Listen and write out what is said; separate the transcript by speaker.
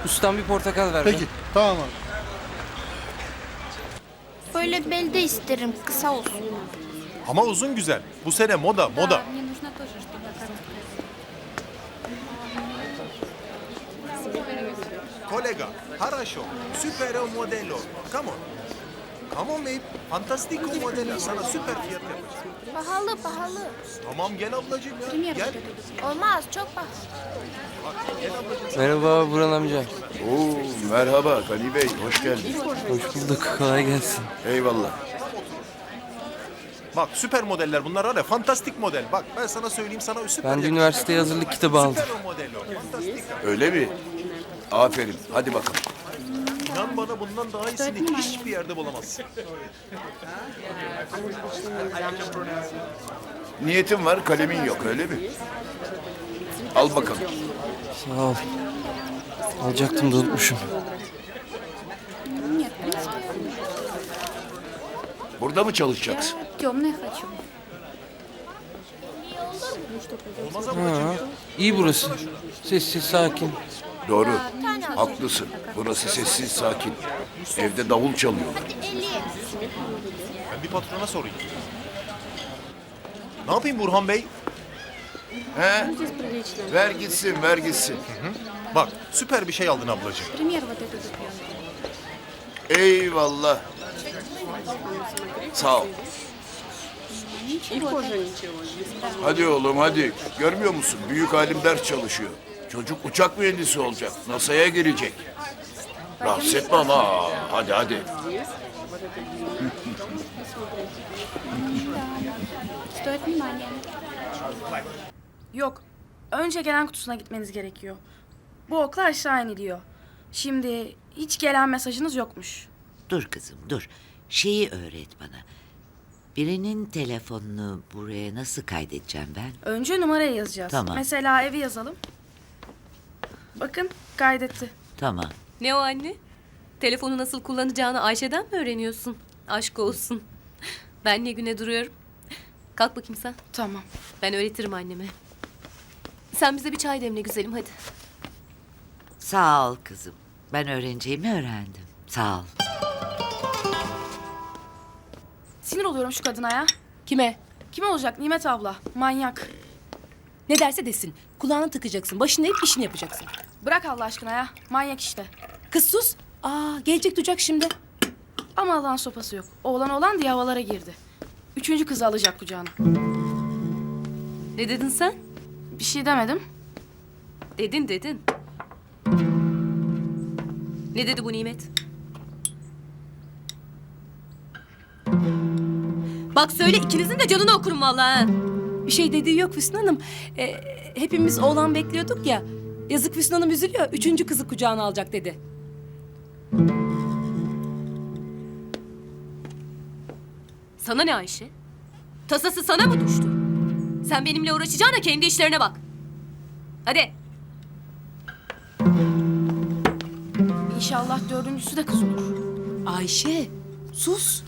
Speaker 1: Ustam bir portakal ver be.
Speaker 2: Peki, tamam abi.
Speaker 3: Böyle belde isterim, kısa olsun.
Speaker 4: Ama uzun güzel. Bu sene moda.
Speaker 5: Мне нужно тоже, чтобы короткая.
Speaker 4: Kolega, хорошо, süper modelo. Come on. Come on babe. Fantastico modelo. Sana süper fiyat yapacağım.
Speaker 3: Pahalı.
Speaker 4: Tamam gel ablacığım ya.
Speaker 5: Пример
Speaker 4: Gel.
Speaker 5: вот этот.
Speaker 3: Olmaz, çok pahalı.
Speaker 1: Merhaba Burhan amca.
Speaker 6: Oo, merhaba Gani Bey, hoş geldin.
Speaker 1: Hoş bulduk. Kolay gelsin.
Speaker 6: Eyvallah.
Speaker 4: Bak süper modeller bunlar var ya. Fantastik model. Bak ben sana söyleyeyim sana süper.
Speaker 1: Ben de
Speaker 4: yakışır.
Speaker 1: üniversiteye hazırlık kitabı aldım.
Speaker 4: Süper modelo. Fantastik.
Speaker 6: Öyle mi? Aferin, hadi bakalım.
Speaker 4: İnan bana bundan daha iyisini hiçbir yerde bulamazsın.
Speaker 6: Niyetin var, kalemin yok, öyle mi? Al bakalım.
Speaker 1: Sağ ol. Alacaktım da unutmuşum.
Speaker 5: Нет, в принципе,
Speaker 6: Burada mı çalışacaksın?
Speaker 5: темное хочу.
Speaker 1: Ha, iyi burası. Sessiz, sakin.
Speaker 6: Doğru, haklısın. Burası sessiz, sakin. Evde davul çalıyorlar.
Speaker 3: 50.
Speaker 4: Ben bir patrona sorayım. Ne yapayım Burhan Bey?
Speaker 6: He? Ver gitsin, ver gitsin.
Speaker 4: Bak süper bir şey aldın ablacığım.
Speaker 5: Пример вот этот вот.
Speaker 6: Eyvallah. Sağ ol. Hadi oğlum hadi. Görmüyor musun? Büyük alim ders çalışıyor. Çocuk uçak mühendisi olacak. NASA'ya girecek. Rahatsız etme ama. Hadi hadi.
Speaker 5: Стоит внимания.
Speaker 7: Yok. Önce gelen kutusuna gitmeniz gerekiyor. Bu okla aşağı iniliyor. Şimdi hiç gelen mesajınız yokmuş.
Speaker 8: Dur kızım dur. Şeyi öğret bana. Birinin telefonunu buraya nasıl kaydedeceğim ben?
Speaker 7: Önce numarayı yazacağız.
Speaker 8: Tamam.
Speaker 7: Mesela evi yazalım. Bakın kaydetti.
Speaker 8: Tamam.
Speaker 9: Ne o anne? Telefonu nasıl kullanacağını Ayşe'den mi öğreniyorsun? Aşk olsun. Ben ne güne duruyorum. Kalk bakayım sen.
Speaker 7: Tamam.
Speaker 9: Ben öğretirim anneme. Sen bize bir çay demle güzelim hadi.
Speaker 8: Sağ ol kızım. Ben öğreneceğimi öğrendim. Sağ ol.
Speaker 7: Sinir oluyorum şu kadına ya.
Speaker 9: Kime?
Speaker 7: Kim olacak Nimet abla? Manyak.
Speaker 9: Ne derse desin. Kulağını tıkacaksın. Başını eğip işini yapacaksın.
Speaker 7: Bırak Allah aşkına ya. Manyak işte.
Speaker 9: Kız sus. Aa, gelecek duyacak şimdi.
Speaker 7: Ama Allah'ın sopası yok. Oğlan diye havalara girdi. Üçüncü kızı alacak kucağına.
Speaker 9: Ne dedin sen?
Speaker 7: Bir şey demedim.
Speaker 9: Dedin. Ne dedi bu Nimet? Bak söyle ikinizin de canını okurum vallahi. Ha.
Speaker 10: Bir şey dediği yok Füsun Hanım. Hepimiz oğlan bekliyorduk ya. Yazık Füsun Hanım üzülüyor. Üçüncü kızı kucağına alacak dedi.
Speaker 9: Sana ne Ayşe? Tasası sana mı düştü? Sen benimle uğraşacağına kendi işlerine bak. Hadi.
Speaker 7: İnşallah dördüncüsü de kız olur.
Speaker 10: Ayşe sus.